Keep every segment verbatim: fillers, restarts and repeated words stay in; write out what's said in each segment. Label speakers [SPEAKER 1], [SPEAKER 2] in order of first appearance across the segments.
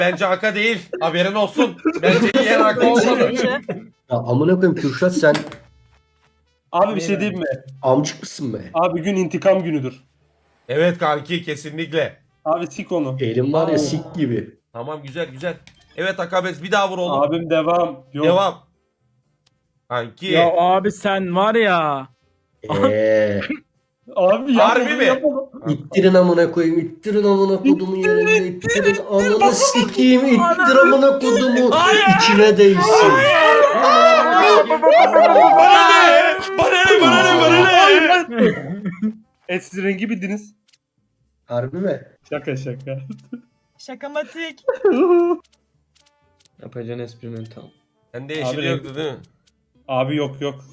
[SPEAKER 1] Bence Aka değil. Haberin olsun. Bence yiyen Aka olmadı.
[SPEAKER 2] Ya amına koyayım Kürşat, sen
[SPEAKER 3] Abi bir şey diyeyim mi?
[SPEAKER 2] amcık mısın be?
[SPEAKER 3] Abi gün intikam günüdür.
[SPEAKER 1] Evet kanki kesinlikle.
[SPEAKER 3] Abi sik onu.
[SPEAKER 2] Elim var ya
[SPEAKER 1] Aa.
[SPEAKER 2] sik gibi.
[SPEAKER 1] Tamam güzel güzel. Evet Akabes bir daha vur oğlum.
[SPEAKER 3] Abim devam. Yok.
[SPEAKER 1] Devam. Kanki.
[SPEAKER 4] Ya abi sen var ya.
[SPEAKER 2] Eee.
[SPEAKER 3] Abi
[SPEAKER 1] Harbi
[SPEAKER 3] yapma,
[SPEAKER 1] mi?
[SPEAKER 3] yapma.
[SPEAKER 2] İttirin amına koyayım, ittirin amına kodumu yerine, ittirin ananı sikeyim, ittir amına kodumu içine değsin.
[SPEAKER 1] Bana ne? Bana ne? Bana ne? Bana ne?
[SPEAKER 3] E siz rengi bildiniz.
[SPEAKER 2] Harbi mi?
[SPEAKER 3] Şaka şaka.
[SPEAKER 5] Şakamatik.
[SPEAKER 6] Yapacağın esprinin tam.
[SPEAKER 1] Sende yeşil
[SPEAKER 3] Abi,
[SPEAKER 1] yoktu değil mi?
[SPEAKER 3] Abi yok yok.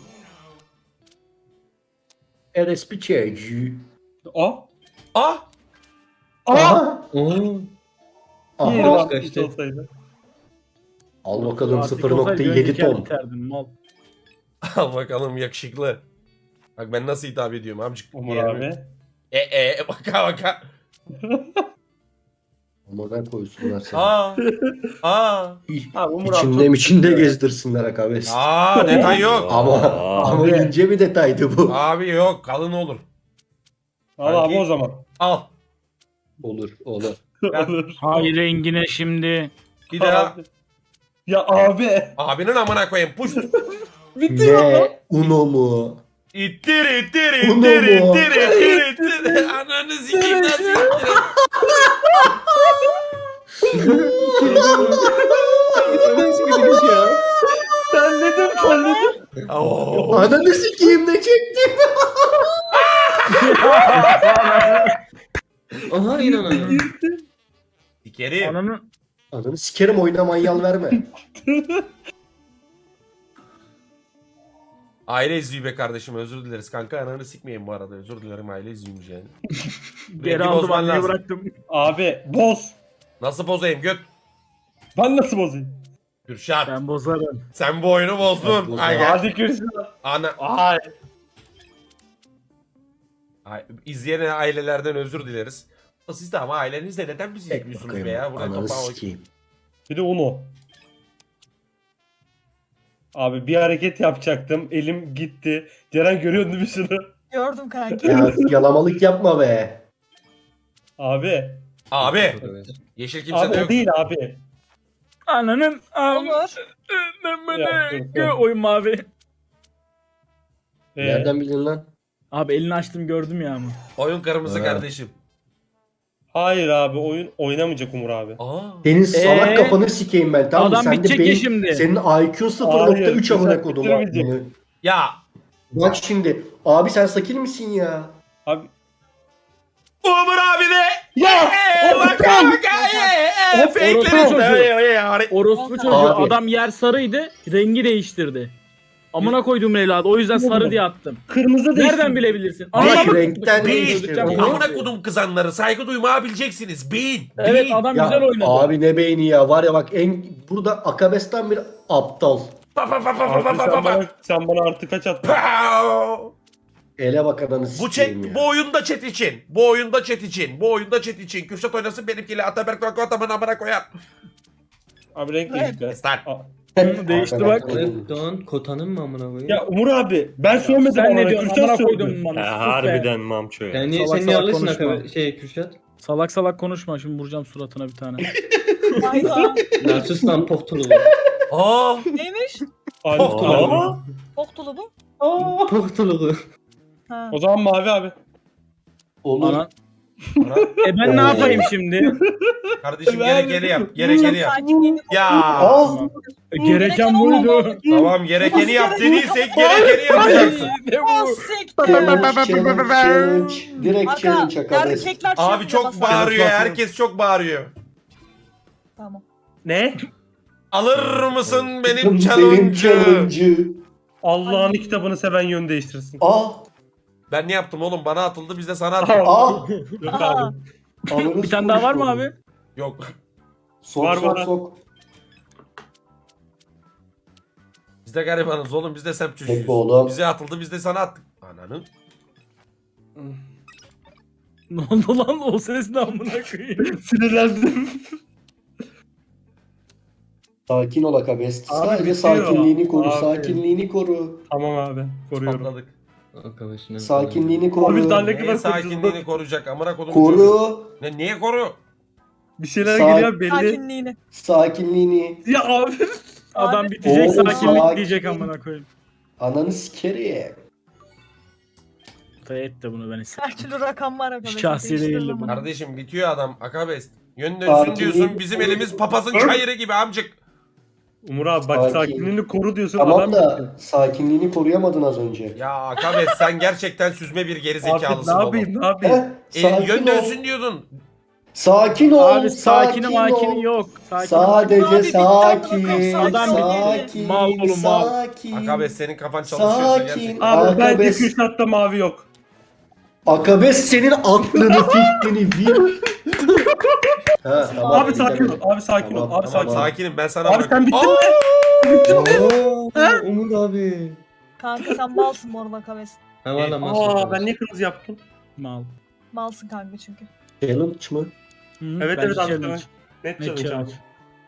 [SPEAKER 2] R S P çocuğu.
[SPEAKER 3] O.
[SPEAKER 1] Ah!
[SPEAKER 2] Aha.
[SPEAKER 6] Oo.
[SPEAKER 3] İyi
[SPEAKER 2] Aha.
[SPEAKER 3] lan,
[SPEAKER 6] kaçtı.
[SPEAKER 3] hiç olsaydı.
[SPEAKER 2] Al bakalım
[SPEAKER 4] Artık
[SPEAKER 2] sıfır
[SPEAKER 4] olsaydı
[SPEAKER 2] nokta yedi
[SPEAKER 4] önceki
[SPEAKER 2] ton.
[SPEAKER 4] biterdim, mal.
[SPEAKER 1] Al bakalım yakışıklı. Bak ben nasıl hitap ediyorum amcık.
[SPEAKER 3] Umur
[SPEAKER 1] Yani.
[SPEAKER 3] abi.
[SPEAKER 1] E e baka baka.
[SPEAKER 2] Amına koysunlar seni.
[SPEAKER 1] Aa. Aa.
[SPEAKER 3] Abi Umur abi
[SPEAKER 2] İçinde
[SPEAKER 3] çok...
[SPEAKER 2] içinde gezdirsinler akabes.
[SPEAKER 1] Aa detay yok.
[SPEAKER 2] Ama ama
[SPEAKER 3] Abi.
[SPEAKER 2] ince bir detaydı bu.
[SPEAKER 1] Abi yok kalın olur.
[SPEAKER 3] Al abi o zaman.
[SPEAKER 1] Al.
[SPEAKER 2] Olur olur.
[SPEAKER 3] Olur.
[SPEAKER 4] Hay rengine şimdi.
[SPEAKER 1] Bir daha.
[SPEAKER 3] Abi. Ya abi.
[SPEAKER 1] Abinin amına koyayım. Puş.
[SPEAKER 3] Bitti ya.
[SPEAKER 2] Ne? Uno mu?
[SPEAKER 1] İttir ittir
[SPEAKER 2] Uno
[SPEAKER 1] ittir
[SPEAKER 2] mu?
[SPEAKER 1] ittir ittir ittir. Ananı sikeyim nasıl ittir.
[SPEAKER 3] Sen neden kolledin?
[SPEAKER 1] Oo.
[SPEAKER 2] Ananı sikeyim ne çektim?
[SPEAKER 6] Aha inanamıyorum.
[SPEAKER 1] Sikerim.
[SPEAKER 4] Ananı.
[SPEAKER 2] Ananı sikerim, oyuna manyal verme.
[SPEAKER 1] Aile izliyor be kardeşim özür dileriz kanka ananı sikmeyin bu arada özür dilerim aile izliyormuş yani.
[SPEAKER 4] Geri
[SPEAKER 1] Rengi
[SPEAKER 4] aldım,
[SPEAKER 1] bozman
[SPEAKER 4] anneye
[SPEAKER 1] lazım.
[SPEAKER 4] bıraktım.
[SPEAKER 3] Abi boz.
[SPEAKER 1] Nasıl bozayım göt?
[SPEAKER 3] Ben nasıl bozayım?
[SPEAKER 1] Kürşat
[SPEAKER 4] Ben bozarım.
[SPEAKER 1] sen bu oyunu bozdun.
[SPEAKER 2] Ben
[SPEAKER 1] Ay, gel.
[SPEAKER 3] Hadi görüşürüz.
[SPEAKER 1] Ana,
[SPEAKER 3] Ay.
[SPEAKER 1] ay, izleyen ailelerden özür dileriz. Siz de ama ailenizle neden bizi
[SPEAKER 2] Tek
[SPEAKER 1] izliyorsunuz
[SPEAKER 2] bakayım.
[SPEAKER 1] be ya? Burada
[SPEAKER 2] Ananı
[SPEAKER 1] kapağı
[SPEAKER 2] sikeyim.
[SPEAKER 3] Bir de Uno. Abi bir hareket yapacaktım. Elim gitti. Ceren görüyordu değil mi şunu?
[SPEAKER 5] Gördüm kanki.
[SPEAKER 2] Ya yalamalık yapma be.
[SPEAKER 3] Abi.
[SPEAKER 1] Abi yeşil kimse
[SPEAKER 3] Abi
[SPEAKER 1] de
[SPEAKER 3] o
[SPEAKER 1] yok.
[SPEAKER 3] değil abi.
[SPEAKER 4] Ananın.
[SPEAKER 5] Olur.
[SPEAKER 3] Ya, dur, dur.
[SPEAKER 4] Oy mavi.
[SPEAKER 3] Ee,
[SPEAKER 2] Nereden bildin lan?
[SPEAKER 4] Abi elini açtım gördüm ya ama.
[SPEAKER 1] Oyun kırmızı
[SPEAKER 2] Ha.
[SPEAKER 1] kardeşim.
[SPEAKER 3] Hayır abi oyun oynamayacak Umur abi.
[SPEAKER 1] Aa.
[SPEAKER 2] Senin salak
[SPEAKER 4] Ee?
[SPEAKER 2] kafanı sikeyim ben, tamam mı?
[SPEAKER 4] Adam
[SPEAKER 2] Sen de
[SPEAKER 4] bitecek ya
[SPEAKER 2] beyin-
[SPEAKER 4] şimdi.
[SPEAKER 2] Senin I Q sıfır nokta üç
[SPEAKER 3] Hayır,
[SPEAKER 2] amına kodum.
[SPEAKER 3] bitirmeyecek.
[SPEAKER 1] Ya.
[SPEAKER 2] Bak şimdi. Abi sen sakil misin ya?
[SPEAKER 3] Abi
[SPEAKER 1] Umur abi de.
[SPEAKER 3] ya
[SPEAKER 1] Eee baka baka eee
[SPEAKER 4] Hop,
[SPEAKER 1] fake'ler
[SPEAKER 4] orospu
[SPEAKER 1] işte.
[SPEAKER 4] çocuğu.
[SPEAKER 1] Ey, ey, ey.
[SPEAKER 4] Orospu çocuğu
[SPEAKER 2] Abi.
[SPEAKER 4] adam yer sarıydı. Rengi değiştirdi. Amına koyduğum evladı. O yüzden sarı diye attım.
[SPEAKER 3] kırmızı değişti.
[SPEAKER 4] Nereden bilebilirsin?
[SPEAKER 2] Bak
[SPEAKER 4] Anlamadım.
[SPEAKER 2] renkten
[SPEAKER 1] Beyin.
[SPEAKER 2] değiştirdi.
[SPEAKER 1] Amına kodum kızanları saygı duymaya bileceksiniz. Beyin.
[SPEAKER 4] Evet
[SPEAKER 1] Beyin.
[SPEAKER 4] adam
[SPEAKER 2] Ya
[SPEAKER 4] güzel oynadı.
[SPEAKER 2] abi ne beyni ya, var ya bak en burada Akabes'ten bir aptal.
[SPEAKER 1] Pa pa pa pa pa
[SPEAKER 3] Abi
[SPEAKER 1] pa
[SPEAKER 3] sen
[SPEAKER 1] pa pa.
[SPEAKER 3] bana, sen bana artı kaç attın?
[SPEAKER 1] Pow!
[SPEAKER 2] Ele bak ananı
[SPEAKER 1] Bu chat,
[SPEAKER 2] sikeyim ya.
[SPEAKER 1] bu oyunda chat için. Bu oyunda chat için. Bu oyunda chat için. Kürşat oynasın benimkiyle Ataberk Vakko Ataman amına koyar.
[SPEAKER 3] Abi renk değişti.
[SPEAKER 1] Start.
[SPEAKER 3] Aa,
[SPEAKER 4] Değişti bak.
[SPEAKER 6] Evet Doğan kotanın mı amına koyayım?
[SPEAKER 3] Ya Umur abi ben söylemedim
[SPEAKER 4] Sen
[SPEAKER 3] ona.
[SPEAKER 4] ne diyorsun?
[SPEAKER 3] Kürşat
[SPEAKER 4] Amına
[SPEAKER 3] söyledi.
[SPEAKER 4] koydum bana.
[SPEAKER 7] Ha,
[SPEAKER 4] Sus be.
[SPEAKER 7] harbiden mamço ya.
[SPEAKER 6] Yani
[SPEAKER 4] Salak
[SPEAKER 6] sen niye
[SPEAKER 4] salak
[SPEAKER 6] alıyorsun
[SPEAKER 4] konuşma.
[SPEAKER 6] akabe şey Kürşat?
[SPEAKER 4] Salak salak konuşma şimdi vuracağım suratına bir tane.
[SPEAKER 5] Hayda.
[SPEAKER 6] Narsus lan poftulu.
[SPEAKER 1] Aa.
[SPEAKER 5] Neymiş?
[SPEAKER 3] Ay,
[SPEAKER 1] Aa.
[SPEAKER 3] Aa.
[SPEAKER 5] Poktulu bu.
[SPEAKER 6] Poftulu.
[SPEAKER 5] Ha.
[SPEAKER 3] O zaman mavi abi.
[SPEAKER 2] Olur.
[SPEAKER 4] Ana. E ben ne yapayım şimdi?
[SPEAKER 1] Kardeşim gerekeni yap. Gerekeni yap.
[SPEAKER 5] Sakinliğini
[SPEAKER 1] Ya.
[SPEAKER 2] Al.
[SPEAKER 4] E, gereken buydu.
[SPEAKER 1] Tamam gerekeni yap dediysek gerekeni yapacaksın.
[SPEAKER 4] Ne
[SPEAKER 5] Oh,
[SPEAKER 4] bu?
[SPEAKER 5] siktir.
[SPEAKER 2] Challenge, challenge, challenge. Direkt
[SPEAKER 5] Aga,
[SPEAKER 2] challenge Akabes.
[SPEAKER 5] erkekler
[SPEAKER 1] Abi
[SPEAKER 5] çeviriyor
[SPEAKER 1] çok
[SPEAKER 5] basar.
[SPEAKER 1] bağırıyor. Herkes çok bağırıyor.
[SPEAKER 5] Tamam.
[SPEAKER 3] Ne?
[SPEAKER 1] Alır mısın benim
[SPEAKER 2] Benim
[SPEAKER 1] challenge'ı?
[SPEAKER 2] challenge'ı.
[SPEAKER 3] Allah'ın kitabını seven yön değiştirsin.
[SPEAKER 2] Aa.
[SPEAKER 1] Ben ne yaptım oğlum? Bana atıldı biz de sana attık.
[SPEAKER 2] Aa.
[SPEAKER 3] Yok
[SPEAKER 5] Aha.
[SPEAKER 3] abi.
[SPEAKER 2] Ananı
[SPEAKER 4] Bir tane daha var mı abi?
[SPEAKER 1] Yok.
[SPEAKER 2] Sok
[SPEAKER 3] Var,
[SPEAKER 2] sok
[SPEAKER 3] var.
[SPEAKER 2] sok.
[SPEAKER 1] Biz de garibanız oğlum. Biz de semt çocuğuyuz.
[SPEAKER 2] Peki oğlum.
[SPEAKER 1] Bize atıldı biz de sana attık. Ananın.
[SPEAKER 4] Ne oldu lan o ses ne amına koyayım?
[SPEAKER 3] Sinirlendim.
[SPEAKER 2] Sakin ol Akabest.
[SPEAKER 3] Abi
[SPEAKER 2] Sadece
[SPEAKER 3] bitiyor.
[SPEAKER 2] sakinliğini koru.
[SPEAKER 3] Abi.
[SPEAKER 2] Sakinliğini koru.
[SPEAKER 3] Tamam abi. Koruyorum.
[SPEAKER 1] Patladık.
[SPEAKER 6] Arkadaşına
[SPEAKER 2] Sakinliğini koru.
[SPEAKER 3] Abi daha ne
[SPEAKER 1] Neye
[SPEAKER 3] kadar
[SPEAKER 1] sakinliğini
[SPEAKER 3] koruyacağız?
[SPEAKER 1] koruyacak amına kodum.
[SPEAKER 2] Koru.
[SPEAKER 1] Ne niye koru?
[SPEAKER 3] Bir şeyler
[SPEAKER 2] Sa-
[SPEAKER 3] geliyor belli.
[SPEAKER 5] Sakinliğini.
[SPEAKER 2] Sakinliğini.
[SPEAKER 3] Ya abi.
[SPEAKER 4] Adam
[SPEAKER 5] Abi-
[SPEAKER 4] bitecek
[SPEAKER 2] Oğlum,
[SPEAKER 4] sakinlik
[SPEAKER 2] sakin.
[SPEAKER 4] diyecek amına koyayım.
[SPEAKER 2] Ananı sikerim.
[SPEAKER 4] Et de bunu ben
[SPEAKER 5] Her
[SPEAKER 4] istedim.
[SPEAKER 5] türlü rakam var arkadaşlar.
[SPEAKER 4] Şahsi değildi
[SPEAKER 5] Değiştiririm
[SPEAKER 4] bu.
[SPEAKER 5] bunu.
[SPEAKER 1] Kardeşim bitiyor adam. Akabest. Yön dönsün
[SPEAKER 2] Sakinliğini
[SPEAKER 1] diyorsun. Bizim
[SPEAKER 2] koru.
[SPEAKER 1] elimiz papazın çayırı gibi amcık.
[SPEAKER 3] Umur abi bak
[SPEAKER 2] Sakin.
[SPEAKER 3] sakinliğini koru diyorsun
[SPEAKER 2] Tamam
[SPEAKER 3] adam.
[SPEAKER 2] da sakinliğini koruyamadın az önce.
[SPEAKER 1] Ya Akabest sen gerçekten süzme bir geri
[SPEAKER 3] Abi ne
[SPEAKER 1] zekalısın oğlum.
[SPEAKER 3] yapayım ne yapayım?
[SPEAKER 2] Heh,
[SPEAKER 1] E,
[SPEAKER 2] sakin
[SPEAKER 1] yön
[SPEAKER 2] ol.
[SPEAKER 1] dönsün diyordun.
[SPEAKER 2] Sakin ol.
[SPEAKER 4] Abi sakini
[SPEAKER 2] sakin
[SPEAKER 4] makini
[SPEAKER 2] ol.
[SPEAKER 4] yok. Sakin
[SPEAKER 2] Sadece
[SPEAKER 5] Abi, bitti
[SPEAKER 2] sakin.
[SPEAKER 5] amına
[SPEAKER 4] koyayım, sakin.
[SPEAKER 2] Sakin.
[SPEAKER 4] Mal oğlum, mal.
[SPEAKER 2] Sakin.
[SPEAKER 1] Akabest senin kafan çalışıyorsa
[SPEAKER 2] Sakin.
[SPEAKER 1] gerçekten.
[SPEAKER 3] Abi bence
[SPEAKER 2] Akabes-
[SPEAKER 3] Kürşat'ta mavi yok.
[SPEAKER 2] Akabes senin aklını fikrini bil. Ha, tamam,
[SPEAKER 3] Abi
[SPEAKER 2] iyi
[SPEAKER 3] sakin ol.
[SPEAKER 2] demek.
[SPEAKER 3] Abi sakin ol.
[SPEAKER 2] Tamam,
[SPEAKER 3] Abi
[SPEAKER 1] Tamam
[SPEAKER 3] sakin ol.
[SPEAKER 1] sakinim ben sana
[SPEAKER 3] Abi
[SPEAKER 1] bırakıyorum.
[SPEAKER 3] sen bittin
[SPEAKER 1] Aa!
[SPEAKER 3] mi?
[SPEAKER 6] Oo, Umut abi.
[SPEAKER 5] Kanka sen malsın bu arada Kaves.
[SPEAKER 6] Ha valla
[SPEAKER 3] Aa
[SPEAKER 6] masum.
[SPEAKER 3] ben niye kırmızı yaptım?
[SPEAKER 4] Mal.
[SPEAKER 5] Malsın kanka çünkü.
[SPEAKER 2] Challenge mı?
[SPEAKER 4] Hı,
[SPEAKER 3] Evet
[SPEAKER 4] bence
[SPEAKER 3] evet abi.
[SPEAKER 4] challenge.
[SPEAKER 3] Net
[SPEAKER 4] Ne
[SPEAKER 3] challenge abi.
[SPEAKER 4] challenge?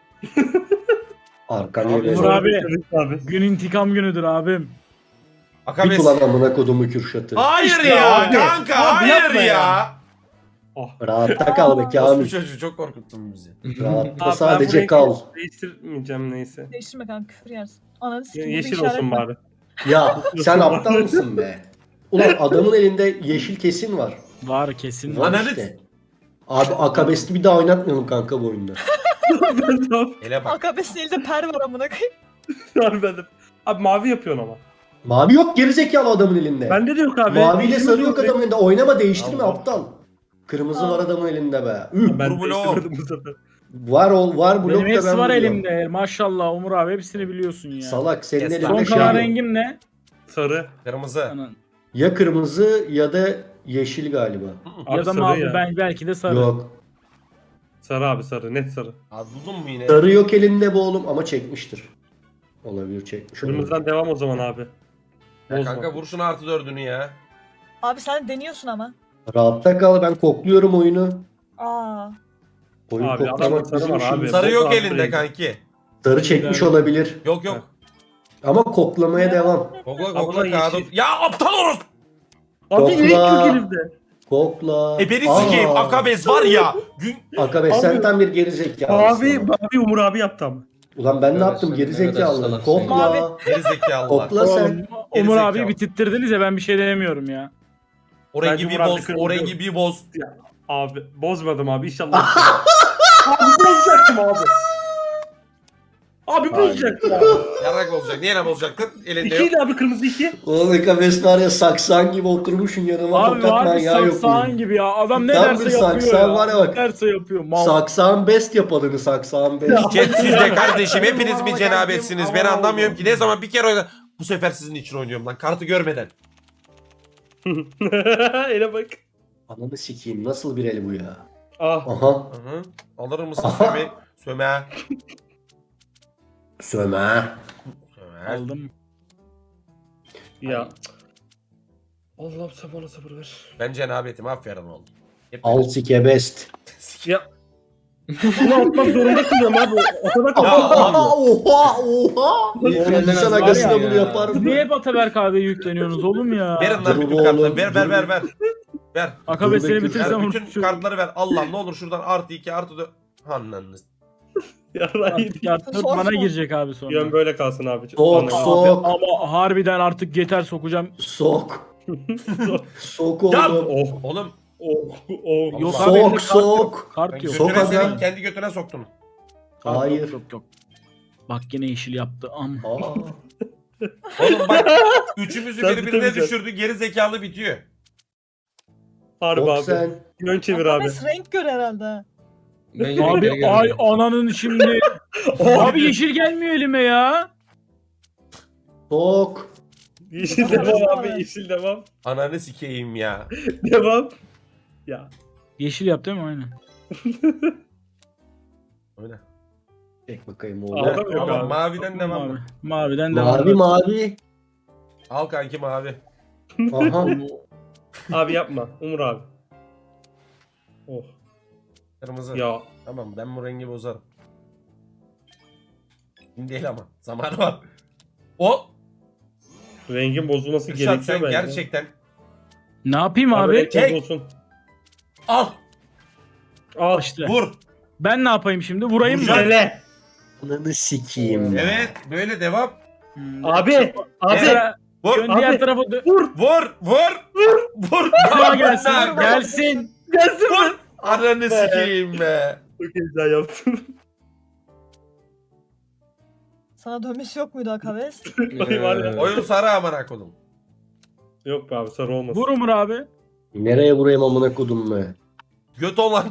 [SPEAKER 2] Arkan
[SPEAKER 1] Abi,
[SPEAKER 2] yere.
[SPEAKER 4] Umur abi.
[SPEAKER 3] Challenge abi.
[SPEAKER 4] Gün intikam günüdür abim.
[SPEAKER 2] Bir
[SPEAKER 1] Akabest.
[SPEAKER 2] ulan amına kodumu Kürşat'ı.
[SPEAKER 1] Hayır
[SPEAKER 3] İşte
[SPEAKER 1] ya
[SPEAKER 3] abi.
[SPEAKER 1] kanka
[SPEAKER 3] Abi
[SPEAKER 1] hayır
[SPEAKER 3] yapma
[SPEAKER 1] ya.
[SPEAKER 3] ya.
[SPEAKER 2] Rahatta kal be
[SPEAKER 1] Bu
[SPEAKER 2] Kamil.
[SPEAKER 1] çocuğu çok korkuttun bizi.
[SPEAKER 2] Rahatta
[SPEAKER 3] Abi ben
[SPEAKER 2] sadece
[SPEAKER 3] burayı
[SPEAKER 2] kal.
[SPEAKER 3] Değiştirmeyeceğim neyse.
[SPEAKER 5] Değiştirme kanka küfür yersin. Ananı
[SPEAKER 3] Ye-
[SPEAKER 5] sikim.
[SPEAKER 3] yeşil olsun bari.
[SPEAKER 2] Ya sen aptal mısın be? Ulan adamın elinde yeşil kesin var.
[SPEAKER 4] Var kesin.
[SPEAKER 2] Var
[SPEAKER 1] Ananı-
[SPEAKER 2] işte. Abi Akabest'i bir daha oynatmayalım kanka bu oyunda.
[SPEAKER 3] ben tamam.
[SPEAKER 1] Hele bak.
[SPEAKER 5] Akabes'in elinde per var amına koyayım.
[SPEAKER 3] Abi ben de. Abi mavi yapıyorsun ama.
[SPEAKER 2] Mavi yok gerizekalı adamın elinde.
[SPEAKER 3] Bende de yok abi.
[SPEAKER 2] Maviyle
[SPEAKER 3] İşimiz
[SPEAKER 2] sarı yok adamın elinde. Oynama değiştirme
[SPEAKER 1] Allah.
[SPEAKER 2] aptal. Kırmızı
[SPEAKER 5] Allah.
[SPEAKER 2] var adamın elinde be. Üh,
[SPEAKER 3] Ben
[SPEAKER 1] Dur,
[SPEAKER 3] değiştirmedim bu sefer.
[SPEAKER 2] var ol var blok
[SPEAKER 4] Benim
[SPEAKER 2] da
[SPEAKER 4] hepsi
[SPEAKER 2] ben
[SPEAKER 4] var
[SPEAKER 2] biliyorum.
[SPEAKER 4] elimde. Maşallah Umur abi hepsini biliyorsun ya.
[SPEAKER 2] Salak senin
[SPEAKER 1] Kes
[SPEAKER 2] elinde
[SPEAKER 1] lan.
[SPEAKER 4] Son
[SPEAKER 2] şey
[SPEAKER 4] kalan
[SPEAKER 2] yok.
[SPEAKER 4] rengim ne?
[SPEAKER 3] Sarı.
[SPEAKER 1] Kırmızı.
[SPEAKER 4] Anan.
[SPEAKER 2] Ya kırmızı ya da yeşil galiba.
[SPEAKER 3] Abi
[SPEAKER 4] Ya da
[SPEAKER 3] sarı
[SPEAKER 4] mavi
[SPEAKER 3] ya.
[SPEAKER 4] ben belki de sarı.
[SPEAKER 2] Yok.
[SPEAKER 3] Sarı abi sarı. Net sarı.
[SPEAKER 1] Buldun mu yine?
[SPEAKER 2] Sarı yok elinde bu oğlum ama çekmiştir. Olabilir çekmiş. olabilir.
[SPEAKER 3] Kırmızıdan devam o zaman abi.
[SPEAKER 1] Ya
[SPEAKER 3] Bozma.
[SPEAKER 1] kanka vur şunu artı dördünü ya.
[SPEAKER 5] Abi sen deniyorsun ama.
[SPEAKER 2] Rahatta kal ben kokluyorum oyunu.
[SPEAKER 5] Aa.
[SPEAKER 2] Oyun
[SPEAKER 3] Abi,
[SPEAKER 2] koklamak
[SPEAKER 3] adamın sarı
[SPEAKER 2] bizim
[SPEAKER 3] var
[SPEAKER 2] işimiz.
[SPEAKER 3] abi.
[SPEAKER 1] Sarı
[SPEAKER 3] Bozma
[SPEAKER 1] yok
[SPEAKER 3] artı
[SPEAKER 1] elinde
[SPEAKER 3] rengi.
[SPEAKER 1] kanki.
[SPEAKER 2] Sarı çekmiş olabilir.
[SPEAKER 1] Yok yok.
[SPEAKER 2] Ama koklamaya devam.
[SPEAKER 1] Kokla
[SPEAKER 3] Abla
[SPEAKER 1] kokla kağıdı.
[SPEAKER 3] yeşil.
[SPEAKER 1] Ya aptal orospu.
[SPEAKER 3] Abi ne
[SPEAKER 2] Kokla.
[SPEAKER 3] yok elimde?
[SPEAKER 2] Kokla.
[SPEAKER 1] E beni
[SPEAKER 2] Aa,
[SPEAKER 1] sikeyim Akabes var ya. Gün...
[SPEAKER 2] Akabes sen
[SPEAKER 3] Abi.
[SPEAKER 2] tam bir gerizekalısın.
[SPEAKER 3] Mavi, mavi Umur abi yaptı ama.
[SPEAKER 2] Ulan ben ne
[SPEAKER 6] Evet,
[SPEAKER 2] yaptım
[SPEAKER 6] sen ne kadar
[SPEAKER 2] gerizekalı.
[SPEAKER 6] salaksın
[SPEAKER 2] Kokla.
[SPEAKER 5] Mavi.
[SPEAKER 1] Geri zekalılar.
[SPEAKER 2] Kokla sen.
[SPEAKER 4] Oğlum, Umur
[SPEAKER 1] Gerizekalı.
[SPEAKER 4] abi bitirttirdiniz ya ben bir şey denemiyorum ya.
[SPEAKER 1] O rengi
[SPEAKER 3] Bence
[SPEAKER 1] bir
[SPEAKER 3] Murat
[SPEAKER 1] boz.
[SPEAKER 3] Akın'ın
[SPEAKER 1] O rengi bir boz.
[SPEAKER 3] Abi bozmadım abi inşallah. abi bozacaktım abi. Abi bozacaktım abi.
[SPEAKER 1] Yarak olacak. Niye ne bozacaktın? Elinde yok.
[SPEAKER 3] İkiydi abi kırmızı iki.
[SPEAKER 2] Ulan Akabes var ya saksan gibi oturmuşsun yanıma
[SPEAKER 4] Abi
[SPEAKER 2] tokat
[SPEAKER 4] var bir
[SPEAKER 2] manyağı yok.
[SPEAKER 4] saksağın gibi ya. Adam ne
[SPEAKER 2] Tam
[SPEAKER 4] derse
[SPEAKER 2] bir
[SPEAKER 4] yapıyor
[SPEAKER 2] saksağın
[SPEAKER 4] ya.
[SPEAKER 2] var ya bak.
[SPEAKER 4] Ne derse yapıyor. Mal.
[SPEAKER 2] Saksan best yapalını saksan best.
[SPEAKER 1] Chat siz de kardeşim hepiniz mi cenabetsiniz? Ben anlamıyorum ki. Ne zaman bir kere oynadım. Bu sefer sizin için oynuyorum lan. Kartı görmeden.
[SPEAKER 3] Ele bak.
[SPEAKER 2] Ananı sikeyim nasıl bir el bu ya?
[SPEAKER 3] Ah.
[SPEAKER 2] Aha.
[SPEAKER 1] Hı hı. Alır mısın
[SPEAKER 2] Aha.
[SPEAKER 1] Söme? Söme.
[SPEAKER 2] Söme.
[SPEAKER 1] Söme.
[SPEAKER 4] Aldım.
[SPEAKER 3] Ya. Allah'ım sen bana sabır ver.
[SPEAKER 1] Ben cenabetim aferin oğlum. Hep
[SPEAKER 2] Al sike best.
[SPEAKER 3] Ya. Bunu atmak zorunda kılıyorum abi. O kadar
[SPEAKER 1] Ya,
[SPEAKER 3] kolay.
[SPEAKER 2] Oha oha oha.
[SPEAKER 6] Elden
[SPEAKER 2] İnsan
[SPEAKER 6] az
[SPEAKER 2] agasına
[SPEAKER 6] var ya.
[SPEAKER 2] bunu yapar
[SPEAKER 4] Siz
[SPEAKER 2] mı?
[SPEAKER 4] niye hep Ataberk abiye yükleniyorsunuz oğlum ya?
[SPEAKER 1] Verin lan
[SPEAKER 2] Dur
[SPEAKER 1] bütün
[SPEAKER 2] oğlum,
[SPEAKER 1] kartları. Ver ver
[SPEAKER 2] dur.
[SPEAKER 1] ver ver. Ver.
[SPEAKER 4] Akabe
[SPEAKER 2] Dur
[SPEAKER 4] seni
[SPEAKER 2] bekle.
[SPEAKER 4] bitirsem
[SPEAKER 1] Ver bütün
[SPEAKER 4] unutuşum.
[SPEAKER 1] kartları ver. Allah ne olur şuradan artı iki artı dört. Hannanız.
[SPEAKER 3] Ya Rahim.
[SPEAKER 4] Artık
[SPEAKER 5] Sor
[SPEAKER 4] bana
[SPEAKER 5] sor.
[SPEAKER 4] girecek abi sonra.
[SPEAKER 3] Yön böyle kalsın abi.
[SPEAKER 2] Sok
[SPEAKER 3] Anladım.
[SPEAKER 2] sok
[SPEAKER 4] Ama harbiden artık yeter sokacağım.
[SPEAKER 2] sok. Sok
[SPEAKER 1] Ya
[SPEAKER 2] oğlum.
[SPEAKER 3] Oh.
[SPEAKER 1] oğlum.
[SPEAKER 3] Oh. Oh.
[SPEAKER 4] Yok abi elimde
[SPEAKER 2] Sok
[SPEAKER 4] kart yok.
[SPEAKER 2] sok.
[SPEAKER 4] Kart
[SPEAKER 1] Ben
[SPEAKER 4] yok.
[SPEAKER 2] Sok
[SPEAKER 1] götüne
[SPEAKER 2] aga.
[SPEAKER 1] senin kendi götüne soktum.
[SPEAKER 4] Kart
[SPEAKER 2] Hayır.
[SPEAKER 4] Yok, yok yok. Bak yine yeşil yaptı. Am.
[SPEAKER 2] Aa.
[SPEAKER 1] Oğlum bak üçümüzü
[SPEAKER 3] Sen
[SPEAKER 1] birbirine
[SPEAKER 3] bitemeyeceksin.
[SPEAKER 1] düşürdü. Geri zekalı bitiyor.
[SPEAKER 3] Harbi
[SPEAKER 2] Sok
[SPEAKER 3] abi.
[SPEAKER 2] sen.
[SPEAKER 3] Yön çevir abi.
[SPEAKER 5] Akabes renk gör herhalde.
[SPEAKER 6] Bence
[SPEAKER 4] Abi
[SPEAKER 6] renklere
[SPEAKER 4] ay
[SPEAKER 6] geldi.
[SPEAKER 4] ananın şimdi. Abi yeşil gelmiyor elime ya.
[SPEAKER 2] Sok.
[SPEAKER 3] Yeşil
[SPEAKER 5] Tamam,
[SPEAKER 3] devam
[SPEAKER 5] tamam.
[SPEAKER 3] abi. Yeşil devam.
[SPEAKER 1] Ananı sikeyim ya.
[SPEAKER 3] Devam. Ya.
[SPEAKER 4] Yeşil yap değil mi? Aynen.
[SPEAKER 1] Öyle.
[SPEAKER 2] Çek bakayım
[SPEAKER 3] Ağda
[SPEAKER 2] oğlum.
[SPEAKER 3] mı yok
[SPEAKER 1] Tamam
[SPEAKER 3] abi?
[SPEAKER 1] maviden devam
[SPEAKER 4] Mavi.
[SPEAKER 1] mı?
[SPEAKER 4] Maviden devam.
[SPEAKER 2] Mavi mavi.
[SPEAKER 1] Al kanki mavi.
[SPEAKER 2] Aha.
[SPEAKER 3] Abi yapma. Umur abi. Oh.
[SPEAKER 1] Kırmızı.
[SPEAKER 3] Ya.
[SPEAKER 1] Tamam ben bu rengi bozarım. Şimdi değil ama. Zamanı var. O.
[SPEAKER 3] Rengin bozulması
[SPEAKER 1] Kürşat
[SPEAKER 3] gerekiyor
[SPEAKER 1] sen
[SPEAKER 3] bence.
[SPEAKER 1] gerçekten.
[SPEAKER 4] Ne yapayım abi?
[SPEAKER 3] renk
[SPEAKER 1] Çek.
[SPEAKER 3] bozulsun.
[SPEAKER 1] Al.
[SPEAKER 3] Al.
[SPEAKER 4] İşte.
[SPEAKER 1] Vur.
[SPEAKER 4] Ben ne yapayım şimdi? Vurayım mı?
[SPEAKER 1] Vuracağım.
[SPEAKER 3] Hele.
[SPEAKER 2] Ananı sikeyim.
[SPEAKER 1] Evet. Böyle devam.
[SPEAKER 4] Hmm.
[SPEAKER 3] Abi. Abi.
[SPEAKER 4] Mesela
[SPEAKER 1] Vur.
[SPEAKER 4] Dön diğer
[SPEAKER 3] Abi.
[SPEAKER 4] tarafa dö-
[SPEAKER 1] Vur. Vur. Vur. Vur.
[SPEAKER 4] Ama gelsin.
[SPEAKER 1] Vur.
[SPEAKER 4] Gelsin.
[SPEAKER 3] Gelsin mi?
[SPEAKER 1] Ananı sikeyim be.
[SPEAKER 3] Çok heyecan yaptım.
[SPEAKER 5] Sana dönmesi yok muydu Akaves?
[SPEAKER 3] Ay var ya.
[SPEAKER 1] Oyun sarı amına kodum.
[SPEAKER 3] Yok be abi sarı olmasın.
[SPEAKER 4] Vur Umur abi.
[SPEAKER 2] Nereye vurayım amına kodum be?
[SPEAKER 1] Göt olan.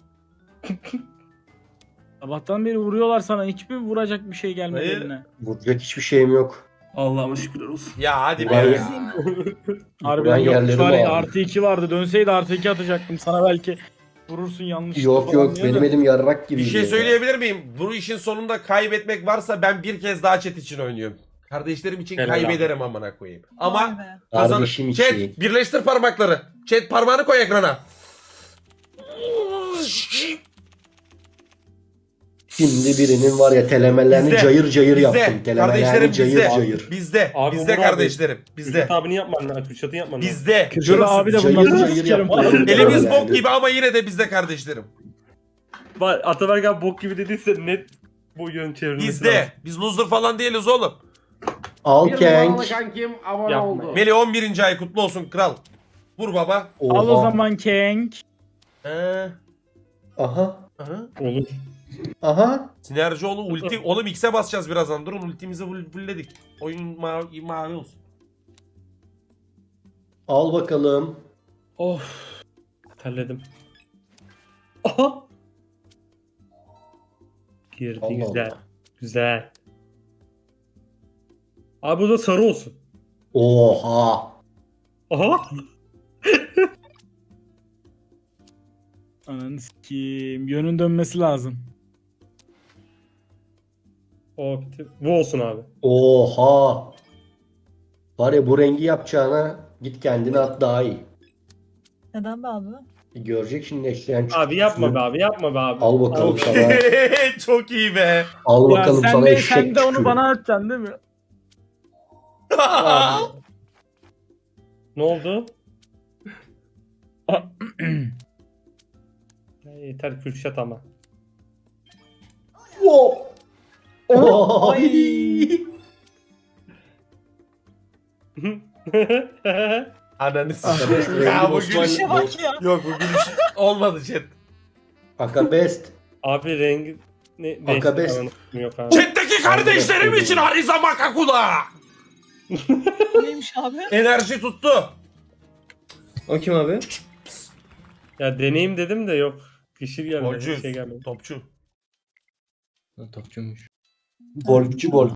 [SPEAKER 4] Sabahtan beri vuruyorlar sana. Hiçbir vuracak bir şey gelmedi
[SPEAKER 1] Hayır.
[SPEAKER 4] eline.
[SPEAKER 2] Vuracak hiçbir şeyim yok.
[SPEAKER 3] Allah'ıma şükürler olsun.
[SPEAKER 1] Ya hadi be.
[SPEAKER 2] Vay
[SPEAKER 1] ya.
[SPEAKER 2] ya.
[SPEAKER 4] Harbiden
[SPEAKER 2] Ben
[SPEAKER 4] yok.
[SPEAKER 2] yerlerimi
[SPEAKER 4] Var ya,
[SPEAKER 2] aldım.
[SPEAKER 4] artı iki vardı. Dönseydi artı iki atacaktım. Sana belki vurursun yanlış.
[SPEAKER 2] Yok yok benim elim yarrak gibi.
[SPEAKER 1] Bir şey söyleyebilir miyim? Bu işin sonunda kaybetmek varsa ben bir kez daha chat için oynuyorum. Kardeşlerim için
[SPEAKER 3] Helal
[SPEAKER 1] kaybederim amına koyayım.
[SPEAKER 5] Vay
[SPEAKER 1] Ama
[SPEAKER 5] be.
[SPEAKER 1] kazan.
[SPEAKER 2] Kardeşim
[SPEAKER 1] Chat
[SPEAKER 2] için.
[SPEAKER 1] birleştir parmakları. Chat parmağını koy ekrana.
[SPEAKER 2] Şimdi birinin var ya telemelerini
[SPEAKER 1] Bizde,
[SPEAKER 2] cayır cayır
[SPEAKER 1] Bizde.
[SPEAKER 2] yaptım. Telemelerini
[SPEAKER 1] Kardeşlerim
[SPEAKER 2] cayır
[SPEAKER 1] bizde.
[SPEAKER 2] cayır.
[SPEAKER 1] Bizde.
[SPEAKER 3] Abi
[SPEAKER 1] Bizde
[SPEAKER 3] Umur abi.
[SPEAKER 1] kardeşlerim. Bizde.
[SPEAKER 3] Kürşat abini yapman lazım. Kürşat'ın yapman lazım.
[SPEAKER 1] Bizde.
[SPEAKER 4] Kürşat
[SPEAKER 1] Görürsün.
[SPEAKER 4] abi de
[SPEAKER 2] Cayır
[SPEAKER 4] bundan
[SPEAKER 2] cayır
[SPEAKER 4] sikerim.
[SPEAKER 2] yaptım.
[SPEAKER 1] Elimiz
[SPEAKER 2] Yani.
[SPEAKER 1] bok gibi ama yine de bizde kardeşlerim.
[SPEAKER 3] Var Ataberk abi bok gibi dediyse net bu yön çevrilmesi
[SPEAKER 1] Bizde.
[SPEAKER 3] lazım.
[SPEAKER 1] Biz loser falan değiliz oğlum.
[SPEAKER 2] Al
[SPEAKER 6] Bir
[SPEAKER 2] Kenk.
[SPEAKER 6] numaralı kankim abone
[SPEAKER 3] Yapma.
[SPEAKER 6] oldu.
[SPEAKER 1] Melih on birinci ay kutlu olsun kral. Vur baba.
[SPEAKER 4] Al o
[SPEAKER 2] Oha.
[SPEAKER 4] zaman Kenk.
[SPEAKER 1] Ee,
[SPEAKER 2] Aha.
[SPEAKER 1] aha.
[SPEAKER 3] Olur.
[SPEAKER 2] Aha.
[SPEAKER 1] Sinerji oğlum ulti. Oğlum X'e basacağız birazdan. Durun ultimizi full- fullledik. Oyun mavi, mavi olsun.
[SPEAKER 2] Al bakalım.
[SPEAKER 3] Of. Terledim. Aha. Girdi
[SPEAKER 2] Allah
[SPEAKER 3] güzel.
[SPEAKER 2] Allah.
[SPEAKER 3] Güzel. Abi bu da sarı olsun.
[SPEAKER 2] Oha.
[SPEAKER 3] Aha.
[SPEAKER 4] Ananı sikeyim. Yönün dönmesi lazım.
[SPEAKER 3] O bitti. Bu olsun abi.
[SPEAKER 2] Oha. Var ya bu rengi yapacağına git kendine at daha iyi.
[SPEAKER 5] Neden be abi?
[SPEAKER 2] Görecek şimdi eşleyen
[SPEAKER 3] Abi yapma be abi yapma be abi.
[SPEAKER 2] Al bakalım
[SPEAKER 3] Al.
[SPEAKER 2] sana.
[SPEAKER 1] Çok iyi be.
[SPEAKER 2] Al
[SPEAKER 4] Ya
[SPEAKER 2] bakalım
[SPEAKER 4] sen
[SPEAKER 2] sana
[SPEAKER 4] de,
[SPEAKER 2] eşek
[SPEAKER 4] sen de onu
[SPEAKER 2] tükürü.
[SPEAKER 4] bana atacaksın değil mi?
[SPEAKER 3] Abi. Ne oldu? Ya yeter Kürşat ama.
[SPEAKER 2] Wow.
[SPEAKER 5] Ay.
[SPEAKER 1] Ananı
[SPEAKER 2] Aha,
[SPEAKER 1] sikeyim. Ya
[SPEAKER 2] rengi
[SPEAKER 1] bu
[SPEAKER 2] Osman-
[SPEAKER 1] gülüş.
[SPEAKER 5] İşe bak ya.
[SPEAKER 1] Yok bu gülüş olmadı chat.
[SPEAKER 2] Akabest.
[SPEAKER 3] Abi rengi ne
[SPEAKER 2] Akabes.
[SPEAKER 3] değişti? Yok abi.
[SPEAKER 1] Chat'teki kardeşlerim için Hariza Makakula.
[SPEAKER 5] Neymiş abi?
[SPEAKER 1] Enerji tuttu.
[SPEAKER 6] O kim abi?
[SPEAKER 3] Ya deneyim dedim de yok. Kişi gelmedi.
[SPEAKER 1] Golcü.
[SPEAKER 3] Şey gelmedi.
[SPEAKER 1] Topçu.
[SPEAKER 6] Ha, topçuymuş.
[SPEAKER 2] Golfçü gol.